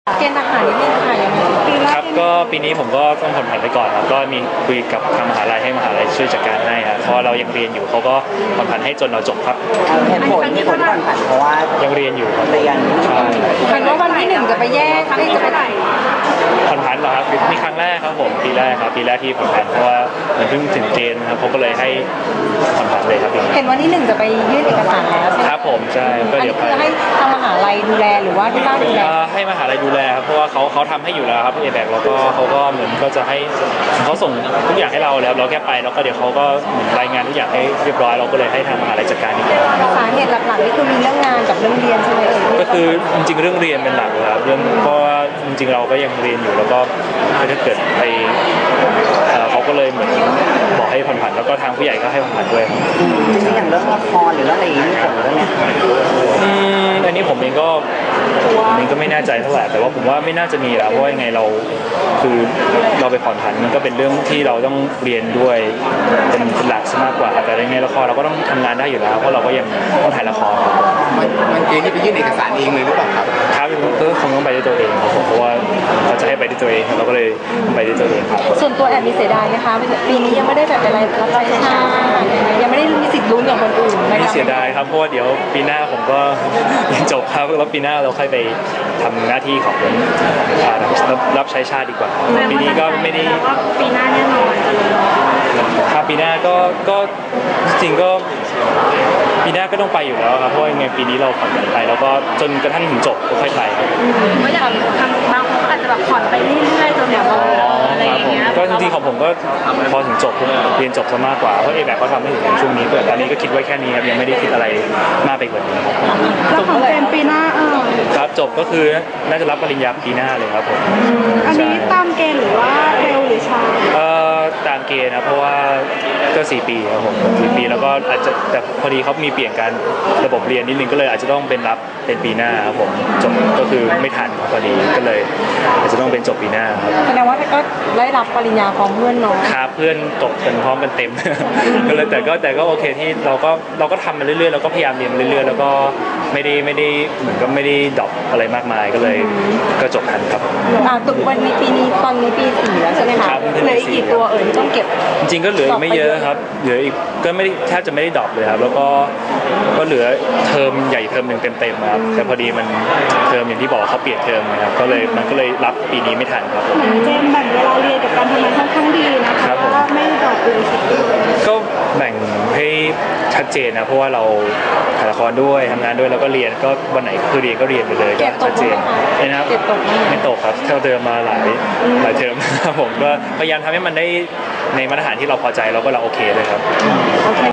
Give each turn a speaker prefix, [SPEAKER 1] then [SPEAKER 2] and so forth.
[SPEAKER 1] เกณฑ์ทหารนิดนึงค่ะยังไง
[SPEAKER 2] ครับก็ปีนี้ผมก็ต้องผ่อนผันไปก่อนครับก็มีคุยกับทางมหาลัยให้มหาลัยช่วยจัดการให้ครับเพราะเรายังเรียนอยู่เขาก็ผ่อนผันให้จนเราจบครับ
[SPEAKER 3] เหตุผลที่ผ่อนผันเพราะว่า
[SPEAKER 2] ยังเรียนอยู่ครับ
[SPEAKER 3] เรียน
[SPEAKER 2] ใช่
[SPEAKER 1] เห็นว่าวันที่1จะไปแยกจะไปไหน
[SPEAKER 2] ผ่อนผันเหรอครับมีครั้งแรกครับผมปีแรกที่ผ่อนผันเพราะว่ามันเพิ่งถึงเกณฑ์ครับเขาก็เลยให้ผ่อนผันเลยครับ
[SPEAKER 1] เห็นวันที่1จะไปยื่นเอกสารแล้วใช่ไหม
[SPEAKER 2] ครับผมใช่ก็เดี๋ยวไป
[SPEAKER 1] ให้ทางมหาลัยดูแลหรือว่าที่บ้านดูแล
[SPEAKER 2] ให้มหาลัยดูแลครับเพราะว่าเขาทำให้อยู่แล้วครับแบกแล้วก็เขาก็เหมือนก็จะให้เขาส่งทุกอย่างให้เราแล้วเราแค่ไปแล้วก็เดี๋ยวเขาก็รายงานทุกอย่างให้เรียบร้อยเราก็เลยให้ทางมหาลัยจัดการอีก
[SPEAKER 1] สาเหตุหลักๆนี่คือมีเรื่องงานกับเรื่องเรียนใช่ไหม
[SPEAKER 2] ก็คือจริงๆเรื่องเรียนเป็นหลักครับเรื่องเพราะว่าจริงๆเราก็ยังเรียนอยู่แล้วก็ถ้าเกิดไปเขาก็เลยเหมือนบอกให้ผ่อนผันแล้วก็ทางผู้ใหญ่ก็ให้ผ่อนผันด้วย
[SPEAKER 3] อย่างเรื่องละครหรืออะไรอย่างนี้ผมเรื่องนี้
[SPEAKER 2] อันนี้ผมเองก็ไม่แน่ใจเท่าไหร่แต่ว่าผมว่าไม่น่าจะมีแล้วเพราะว่ายังไงเราคือเราไปผ่อนผันมันก็เป็นเรื่องที่เราต้องเรียนด้วยเป็นหลักซะมากกว่าแต่ยังไงละครเราก็ต้องทำงานได้อยู่แล้วเพราะเราก็ยังต้องถ่ายละคร
[SPEAKER 4] มันเองที่ไปยื่นเอกสารเองเลยหรือเปล่าครับ
[SPEAKER 2] ครับก็คงต้องไปด้วยตัวเองครับผมเพราะว่าเขาจะให้ไปด้วยตัวเองเราก็เลยไปด้วยตัวเองครับ
[SPEAKER 1] ส่วนตัวแอบมีเสียดายนะคะปีนี้ยังไม่ได้แบบอะไรรับใช้ชาติยังไม่ได้มีสิทธิ์ลุ้นอย่างคนอื่น
[SPEAKER 2] ไม่เสียดายครับเพราะว่าเดี๋ยวปีหน้าผมก็ยังจบครับแล้วปีหน้าเราค่อยไปทำหน้าที่ของรับใช้ชาติดีกว่าปีนี้ก็ไม่ได้
[SPEAKER 1] ปีหน้าแน่นอนจะลง
[SPEAKER 2] ครับปีหน้าก็จริงก็ปีหน้าก็ต้องไปอยู่แล้วครับเพราะยังไงปีนี้เราผ่อนผันไปแล้วก็จนกระทั่งถึงจบก็ค่อยไป
[SPEAKER 1] ก็อย่างทำบางคนก็อาจจะแบบผ่อนไปเรื่อยๆจนแบบอะไรอย่างเงี้ย
[SPEAKER 2] ก็จริงๆของผมก็พอถึงจบเรียนจบซะมากกว่าเพราะแบบเขาทำให้ถึงช่วงนี้แต่ตอนนี้ก็คิดไว้แค่นี้ครับยังไม่ได้คิดอะไรมากไปกว่านี้
[SPEAKER 1] แล้วของเป็นปีหน้า
[SPEAKER 2] ครับจบก็คือน่าจะรับปริญญาปีหน้าเลยครับผม
[SPEAKER 1] อันนี้ตามเกณฑ์หรือว่าเร็วหรือช้า
[SPEAKER 2] ตามเกณฑ์นะเพราะว่าก็4 ปีครับผม4 ปีแล้วก็อาจจะแต่พอดีเขามีเปลี่ยนการระบบเรียนนิดนึงก็เลยอาจจะต้องเป็นรับเป็นปีหน้าครับผมจบก็คือไม่ทันพอดีก็เลยอาจจะต้องเป็นจบปีหน้าครับ
[SPEAKER 1] แสดงว่าก็ได้รับปริญญาพร้อมเพื่อนน้อง
[SPEAKER 2] ครับเพื่อนจบกันพร้อมกันเต็มก็เลยแต่ก็โอเคที่เราก็ทำมาเรื่อยๆเราก็พยายามเรียนเรื่อยๆแล้วก็ไม่ได้เหมือนก็ไม่ได้ดรอปอะไรมากมายก็เลยก็จบทันครับ
[SPEAKER 1] ตุกวันนี้ปีนี้ตอนนี้ปี4แล้วใช่ไหมคะเหลืออีกกี่ตัวที่ต้องเก็บ
[SPEAKER 2] จริงๆก็เหลือไม่เยอะครับเหลืออีกก็ไม่ได้แทบจะไม่ได้ดรอปเลยครับแล้วก็เหลือเทอมใหญ่เทอมหนึ่งเต็มๆครับแต่พอดีมันเทอมอย่างที่บอกเขาเปลี่ยนเทอมนะครับก็เลยรับปีนี้ไม่ทันครับ
[SPEAKER 1] เจมแบ่งเวลาเรียนกับการทำงานค่อนข้างดีนะคะว่าไม่ดรอปเลย
[SPEAKER 2] ก็แบ่งให้ชัดเจนนะเพราะว่าเราถ่ายละครด้วยทำงานด้วยแล้วก็เรียนก็วันไหนคือเรียนก็เรียนไปเลยก็ชัดเจนนะครับไม่ตกครับเท่าเดิมมาหลายเทอมครับผมก็พยายามทำให้มันได้ในมาตรฐานที่เราพอใจแล้วก็เราโอเคเลยครับ